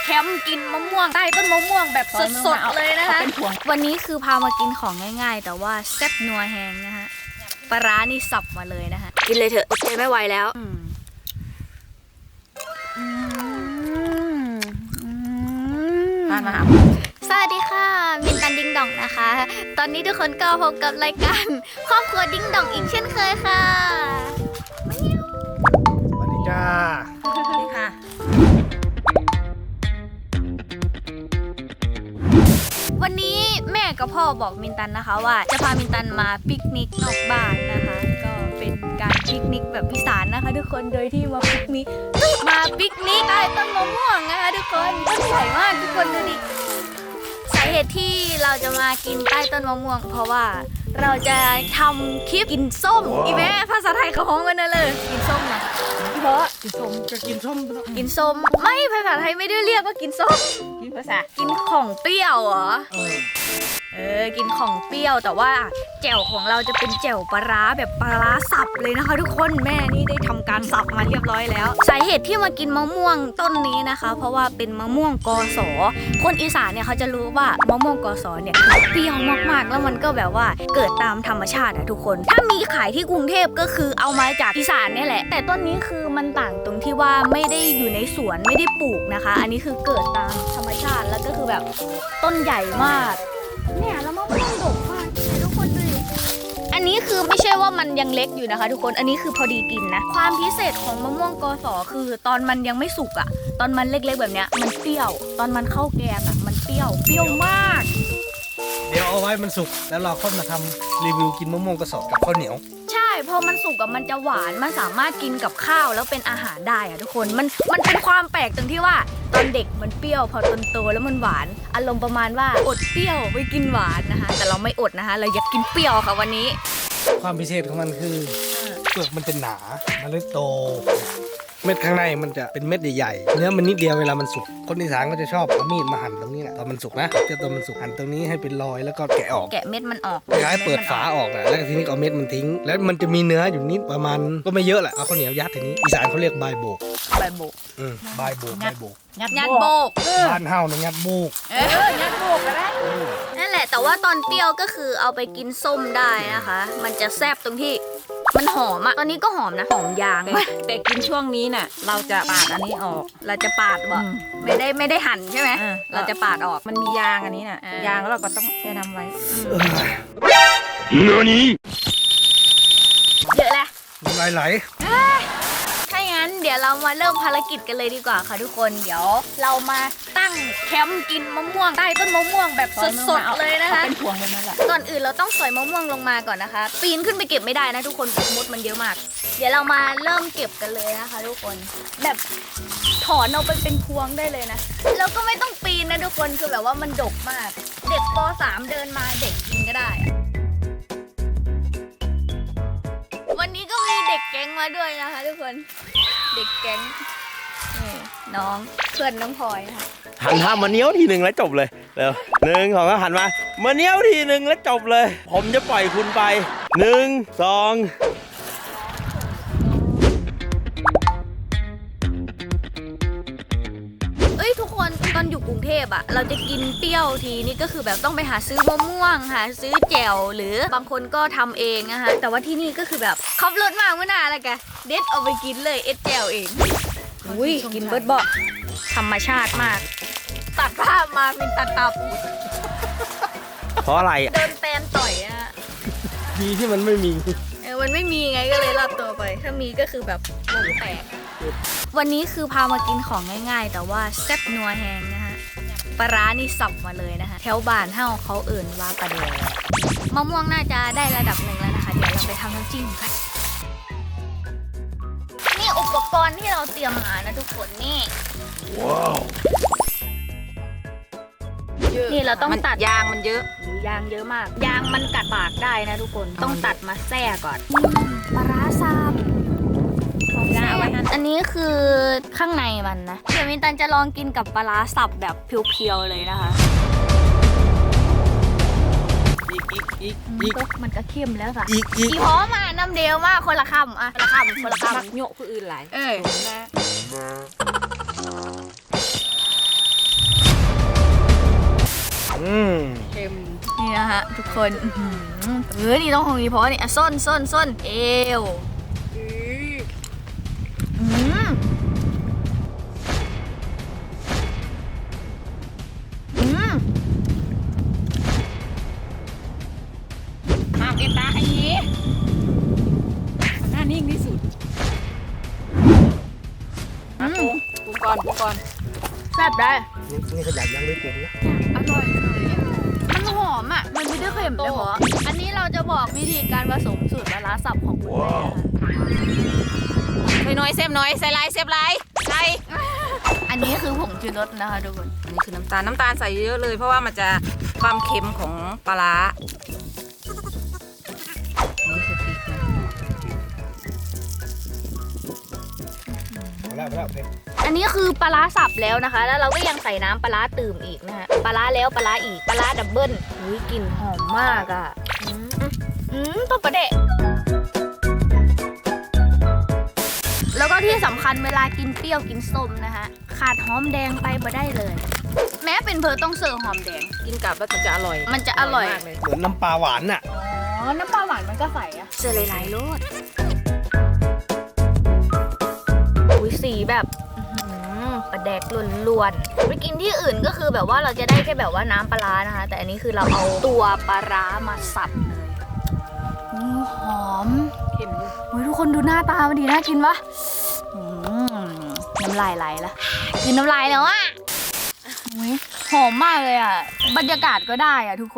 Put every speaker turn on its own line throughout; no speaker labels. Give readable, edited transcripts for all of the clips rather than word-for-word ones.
มป์กินมะม่วงใต้ต้นมะม่วงแบบสดๆเลยนะคะวันนี้คือพามากินของง่ายๆแต่ว่าแซ่บนัวแฮงนะฮะปลาร้านี่สับมาเลยนะคะกินเลยเถอะอดใจไม่ไหวแล้วมาสวัสดีค่ะมินตันดิ้งดองนะคะ ตอนนี้ทุกคนก็พบกับรายการครอบครัวดิ้งดองอีกเช่นเคยค่ะ
สวัสดีจ้า
สวัสดีค่ะวันนี้แม่กับพ่อบอกมินตันนะคะว่าจะพามินตันมาปิกนิกนอกบ้านนะคะก็เป็นการปิกนิกแบบอีสานนะคะทุกคนโดยที่มาปิกนิกใต้ต้นมะม่วงนะคะทุกคนต้นใหญ่มากทุกคนดูดิสาเหตุที่เราจะมากินใต้ต้นมะม่วงเพราะว่าเราจะทำคลิปกินส้มอีแม่ภาษาไทยเขาฮ้องกันนะเลยกินส้มนะเพราะ
กินส้มจะกินส้ม
กินส้มไม่ภาษาไทยไม่ได้เรียกว่ากินส้มกินภาษากินของเปรี้ยวเหรอกินของเปรี้ยวแต่ว่าแจ่วของเราจะเป็นแจ่วปลาร้าแบบปลาร้าสับเลยนะคะทุกคนแม่นี่ได้ทำการสับมาเรียบร้อยแล้วสาเหตุที่มากินมะม่วงต้นนี้นะคะเพราะว่าเป็นมะม่วงกสคนอีสานเนี่ยเขาจะรู้ว่ามะม่วงกสเนี่ยเปรี้ยวมากๆแล้วมันก็แบบว่าเกิดตามธรรมชาติอะทุกคนถ้ามีขายที่กรุงเทพก็คือเอามาจากอีสานเนี่ยแหละแต่ต้นนี้คือมันต่างตรงที่ว่าไม่ได้อยู่ในสวนไม่ได้ปลูกนะคะอันนี้คือเกิดตามธรรมชาติแล้วก็คือแบบต้นใหญ่มากเนี่ยแล้วมะม่วงดกมากทุกคนดูอันนี้คือไม่ใช่ว่ามันยังเล็กอยู่นะคะทุกคนอันนี้คือพอดีกินนะความพิเศษของมะม่วงกสคือตอนมันยังไม่สุกอะตอนมันเล็กๆแบบเนี้ยมันเปรี้ยวตอนมันเข้าแกงอะมันเปรี้ยวมาก
เดี๋ยวเอาไว้มันสุกแล้วเราค่อยมาทำรีวิวกินมะม่วงกระสอบกับข้าวเหนียว
ใช่พอมันสุกอะมันจะหวานมันสามารถกินกับข้าวแล้วเป็นอาหารได้อะทุกคนมันเป็นความแปลกตรงที่ว่าตอนเด็กมันเปรี้ยวพอตอนโตแล้วมันหวานอารมณ์ประมาณว่าอดเปรี้ยวไปกินหวานนะคะแต่เราไม่อดนะคะเราอยากกินเปรี้ยวค่ะวันนี้
ความพิเศษของมันคือเปลือกมันจะหนามันเลยโตเม็ดข้างในมันจะเป็นเม็ดใหญ่ๆเนื้อมันนิดเดียวเวลามันสุกคนอีสานก็จะชอบเอามีดมาหั่นตรงนี้แหละตอนมันสุกนะตอนมันสุกหั่นตรงนี้ให้เป็นรอยแล้วก็แกะออก
แกะเม็ดมันออก
ย้ายเปิดฝาออกนะแล้วทีนี้เอาเม็ดมันทิ้งแล้วมันจะมีเนื้ออยู่นิดประมาณก็ไม่เยอะแหละเอาข้าวเหนียวยัดทีนี้อีสานเขาเรียกใบโบก
ใบโบก
ยัดโบกบ้านเฮาเนี่ยยัดโบก
ยัดโบกก็ได้นั่นแหละแต่ว่าตอนเปรี้ยวก็คือเอาไปกินส้มได้นะคะมันจะแซ่บตรงที่มันหอมอะตอนนี้ก็หอมนะหอมยาง
แต่กินช่วงนี้น่ะเราจะปาดอันนี้ออก
เราจะปาดบอกไม่ได้หั่นใช่ไหมเราจะปาดออก
มันมียางอันนี้น่ะยางแล้วเราก็ต้องแช่น้ำไว้
นี่
เยอะแหละ
ไหล
ถ้างั้นเดี๋ยวเรามาเริ่มภารกิจกันเลยดีกว่าค่ะทุกคนเดี๋ยวเรามาตั้งแคมป์กินมะม่วงใต้ต้นมะม่วงแบบสดๆเลยนะคะ
เป็นพวงเลยนั่นแหละ
ก่อนอื่นเราต้องสอยมะม่วงลงมาก่อนนะคะปีนขึ้นไปเก็บไม่ได้นะทุกคนมดมันเยอะมากเดี๋ยวเรามาเริ่มเก็บกันเลยนะคะทุกคนแบบถอนเอาไปเป็นพวงได้เลยนะแล้วก็ไม่ต้องปีนนะทุกคนคือแบบว่ามันดกมากเด็กป.3 เดินมาเด็กกินก็ได้วันนี้ก็มีเด็กแก๊งมาด้วยนะคะทุกคนเด็กแก๊งน้องเพื่อนน้องพลอยค่ะ
หันท่ามาเนี้ยวทีหนึ่งแล้วจบเลยเร็ว1 2ก็หันมาเนี้ยวทีหนึ่งแล้วจบเลยผมจะปล่อยคุณไป1 2
ทุกคนตอนอยู่กรุงเทพอะเราจะกินเปรี้ยวทีนี่ก็คือแบบต้องไปหาซื้อมะม่วงหาซื้อแจ่วหรือบางคนก็ทำเองนะคะแต่ว่าที่นี่ก็คือแบบขับรถมาเมื่อนานแล้วแกเด็ดเอาไปกินเลยเอ็ดแจ่วเองอุ้ยกินเบิร์ดบอกธรรมชาติมากตัดภาพมาเป็นตัดตับ
เพราะอะไร
เดินแตนต่อยอะ
ดีที่มันไม่มี
มันไม่มีไงก็เลยรอดตัวไปถ้ามีก็คือแบบวงแตกวันนี้คือพามากินของง่ายๆแต่ว่าแซ่บนัวแฮงนะคะปลาร้านี่สับมาเลยนะคะแถวบ้านเฮาเขาเอิ่นว่าปลาแดงมะม่วงน่าจะได้ระดับหนึ่งแล้วนะคะเดี๋ยวเราไปทำน้ำจิ้มกันนี่อุปกรณ์ที่เราเตรียมมานะทุกคนนี่ว้าวนี่เราต้องตัด
ยางมันเยอะ
ยางเยอะมากยางมันกัดปากได้นะทุกคนต้องตัดมาแซ่ก่อนปลาร้าสับอันนี้คือข้างในมันนะเดี๋ยวมินตันจะลองกินกับปลาร้าสับแบบเพียวๆเลยนะคะมันก็เข้มแล้วค่ะอีพร้อมอ่ะน้ำเดียวมากคนละคำอ่ะคนละคำ
โยกผู้อื่นหลาย
ทุกคนนี่ต้องของนี้เพราะนี่ส้นเอว
ห้ามเอ็นตาไอ้นี้หน้านิ่งที่สุดปรุงก่อน
แซ่บได้
นี่ขยันยังไม่เก่งนะ
อร่อยเลยมันหอมอ่ะมันไม่ได้เค็มเลยเหรออันนี้เราจะบอกวิธีการผสมสูตรปลาร้าสับของคุณแม่นะคะ
ใส่น้อยเซฟน้อยใส่ลายเซฟลายใส่
อันนี้คือผงชูรสนะคะทุกคน
อันนี้คือน้ำตาลใส่เยอะเลยเพราะว่ามันจะความเค็มของปลาร้านี่คือพริกนะ
พอแล้วเผ็ด
อันนี้คือปลาร้าสับแล้วนะคะ แล้วเราก็ยังใส่น้ำปลาร้าตื่มอีกนะฮะปลาร้าแล้วปลาร้าอีกปลาร้าดับเบิ้ลอุ้ยกลิ่นหอมมากอ่ะต้มปลาเดะแล้วก็ที่สำคัญเวลากินเปรี้ยวกินส้มนะคะขาดหอมแดงไปบ่ได้เลย แม้เป็นเพอต้องเสิร์ฟหอมแดง
กินกับแล้วมันจะอร่อย
มันจะอร่อย
มากเลย
เหมือนน้ำปลาหวานน่ะ
อ๋อ น้ำปลาหวานมันก็ใส่อะเจอหลายๆรสอุ้ยสีแบบปลาแดกล้วนๆไปกินที่อื่นก็คือแบบว่าเราจะได้แค่แบบว่าน้ำปลาร้านะคะ แต่อันนี้คือเราเอาตัวปลาร้ามาสับเลยหอม
เค็มด้วย
โอ้ยทุกคนดูหน้าตามันดีน่ากินปะน้ำลายไหลละกินน้ำลายแล้วอะโอ้ยหอมมากเลยอะบรรยากาศก็ได้อะทุกคน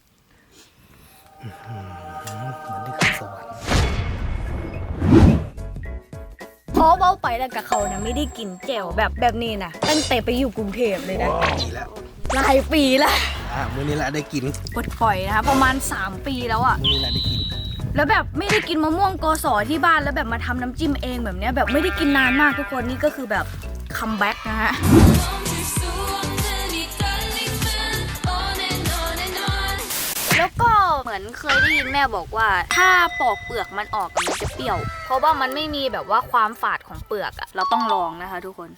มันได้ขึ้นสวรรค์
เพราะว่าไปแล้วกับเขานะไม่ได้กินแจ่วแบบนี้นะตั้งแต่ไปอยู่กรุงเทพเลยนะ
ดีแล้ว
หลายปีแล้ว
มื้อนี้แหละได้กิน
ปลดปล่อยนะคะประมาณ3 ปีแล้วอะ
มื้อนี้แหละได้กิน
แล้วแบบไม่ได้กินมะม่วงโกสอที่บ้านแล้วแบบมาทำน้ำจิ้มเองแบบเนี้ยแบบไม่ได้กินนานมากทุกคนนี่ก็คือแบบคัมแบ็กนะฮะแล้วก็เหมือนเคยได้ยินแม่บอกว่าถ้าปอกเปลือกมันออกมันจะเปรี้ยว เพราะว่ามันไม่มีแบบว่าความฝาดของเปลือกอะเราต้องลองนะคะทุกคน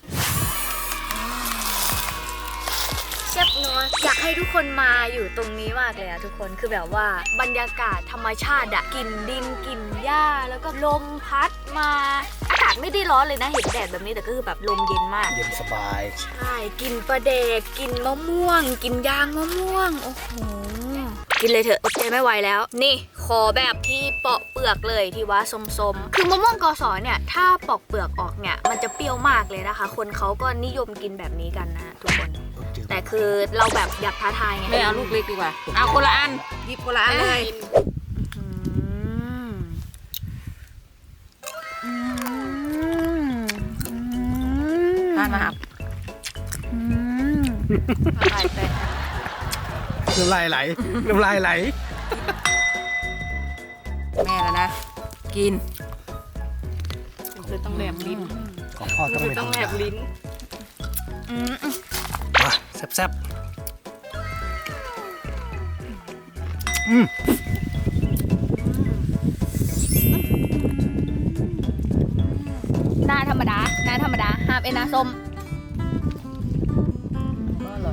แซ่บนัวอยากให้ทุกคนมาอยู่ตรงนี้มากเลยอะทุกคนคือแบบว่าบรรยากาศธรรมชาติอะกลิ่นดินกลิ่นหญ้าแล้วก็ลมพัดมาอากาศไม่ได้ร้อนเลยนะเห็นแดดแบบนี้แต่ก็คือแบบลมเย็นมาก
เย็นสบาย
ใช่กินปลาเด็กกินมะม่วง กินยางมะม่วงโอ้โหกินเลยเถอะอดใจไม่ไหวแล้วนี่ขอแบบที่ปอกเปลือกเลยที่ว่าส้มๆคือมะม่วงกอสอเนี่ยถ้าปอกเปลือกออกเนี่ยมันจะเปรี้ยวมากเลยนะคะ คนเขาก็นิยมกินแบบนี้กันนะทุกคน แต่คือเราแบบอยากท้าทายไง
ไม่เอาลูกเล็กดีกว่าเอาคนละอันหยิบคนละอันเลย ทานมาครับอะไรแต่
น้ำลายไหล น้ำลายไหล
แม่แล้วนะ กินคือต้องแหลมลิ้น
ของพ่อต้องไม่ธรรมดา มาแซ่บ
หน้าธรรมดาห้ามเอ็นหน้าส้ม
ก็อร่อย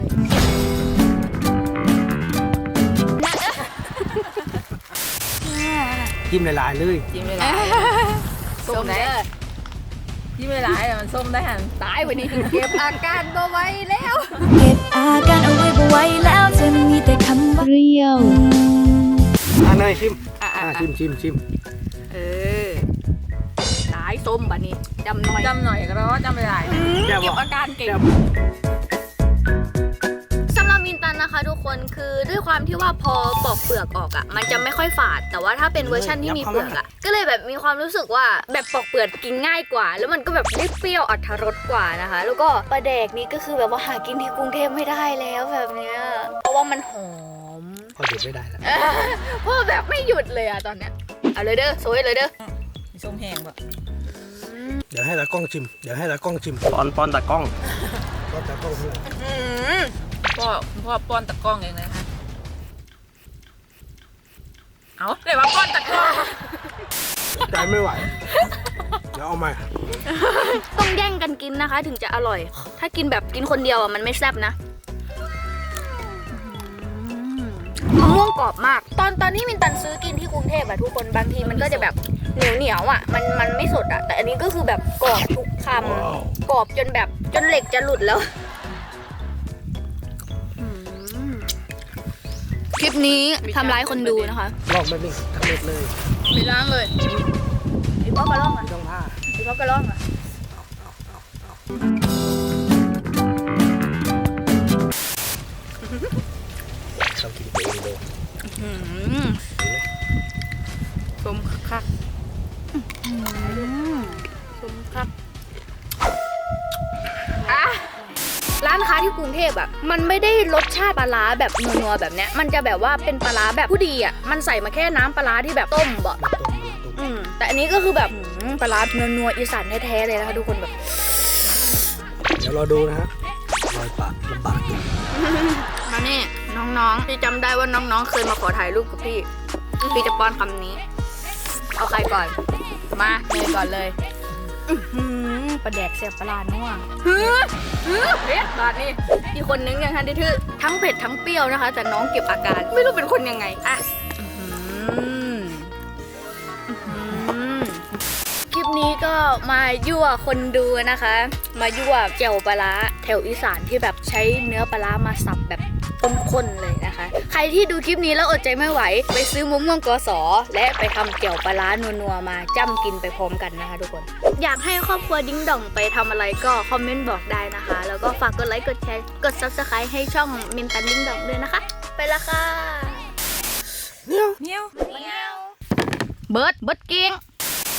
จิ้มหลายๆเลย
จิ้มไม่ร้ายส้มได้จิ้มไม่ร้ายแต่มันส้มได้หัน
ตายวันนี้ถึงเก็บอาการบ่ไหวแล้ว
เก็บอาการเอาไว้บ่ไหวแล้วจะมีแต่คำว่าเปรี้ยว
เนยชิมชิม
เออตายส้มบัดนี้จำหน่อย
จำหน่อยก็แล้วจำไม่ได้
เก็บอาการเก่งสำหรับมินตันนะคะทุกคนคือด้วยความที่ว่าพอปอกเปลือกออกอ่ะมันจะไม่ค่อยฝาดแต่ว่าถ้าเป็นเวอร์ชันที่มีเปลือกอ่ะก็เลยแบบมีความรู้สึกว่าแบบปอกเปลือกกินง่ายกว่า แล้วมันก็แบบได้เปรี้ยวอรรถรสกว่านะคะ แล้วก็ปลาแดกนี้ก็คือแบบว่าหากินที่กรุงเทพไม่ได้แล้วแบบเนี้ยเพราะว่ามันหอม
พอหยุดไม่ได้แล้ว
เพราะแบบไม่หยุดเลยอะตอนเนี้ยเอาเลยเด้อโซยเลยเด้อ
มีส้มแห้งป่ะ
เดี๋ยวให้ตากล้องชิม
ป้อนตากล้อง
ก็ตากล้องเพื่อน
พ่อป้อนตะกล้องเองนะคะเอาเดี๋ยวมาป้อนตะกล้อง
ใจไม่ไหว เดี๋ยวเอาใหม่
ต้องแย่งกันกินนะคะ ถึงจะอร่อย ถ้ากินแบบกินคนเดียวอะมันไม่แซ่บนะมะม่วงกรอบมาก ตอนที่มินตันซื้อกินที่กรุงเทพอะทุกคนบางทีมันก็จะแบบเหนียวอะมันไม่สดอะแต่อันนี้ก็คือแบบกรอบทุกคำกรอบจนแบบจนเหล็กจะหลุดแล้วคลิปนี้ทำร้ายคนดูนะคะ
ลอกแบบนี้ทำเร็จเลย
ไม่ล้างเลย
พี่พ่อกระล่องอะ
ไม่ต้องผ้า
พี่พ่อกระล่องอะ
เขากินเองเลย
ชมคักชมคัก
ร้านค้าที่กรุงเทพอะมันไม่ได้รสชาติปลาร้าแบบนัวๆแบบเนี้ยมันจะแบบว่าเป็นปลาร้าแบบผู้ดีอะมันใส่มาแค่น้ำปลาร้าที่แบบต้มบ่
มาต้มมาต้ม
แต่อันนี้ก็คือแบบปลาร้านัวๆอีสานแท้ๆเลยนะคะทุกคนแบบ
เดี๋ยวรอดูนะฮะรอยปากลำบากอยู่
มานี่น้องๆพี่จำได้ว่าน้องๆเคยมาขอถ่ายรูปกับพี่พี่จะป้อนคำนี้ เอาใครก่อน
มาเลยก่อนเลย
ปลาแดกเสียบปลาร้านัว
เผ็ดบาดนี่
อีกคนนึงยังทันได้ทื่อทั้งเผ็ดทั้งเปรี้ยวนะคะ แต่น้องเก็บอาการไม่รู้เป็นคนยังไงอ่ะคลิปนี้ก็มายั่วคนดูนะคะ มายั่วแจ่วปลาร้าแถวอีสานที่แบบใช้เนื้อปลาร้ามาสับแบบข้นๆเลยนะคะ ใครที่ดูคลิปนี้แล้วอดใจไม่ไหวไปซื้อมะม่วงกสและไปทำแจ่วปลาร้านัวๆมาจ้ำกินไปพร้อมกันนะคะทุกคน อยากให้ครอบครัวดิ้งด่องไปทำอะไรก็คอมเมนต์บอกได้นะคะ แล้วก็ฝากกดไลค์กดแชร์กด Subscribe ให้ช่องมินตันดิ้งด่องด้วยนะคะ ไปละค่ะ
เมียว
เบิร์ดเก่ง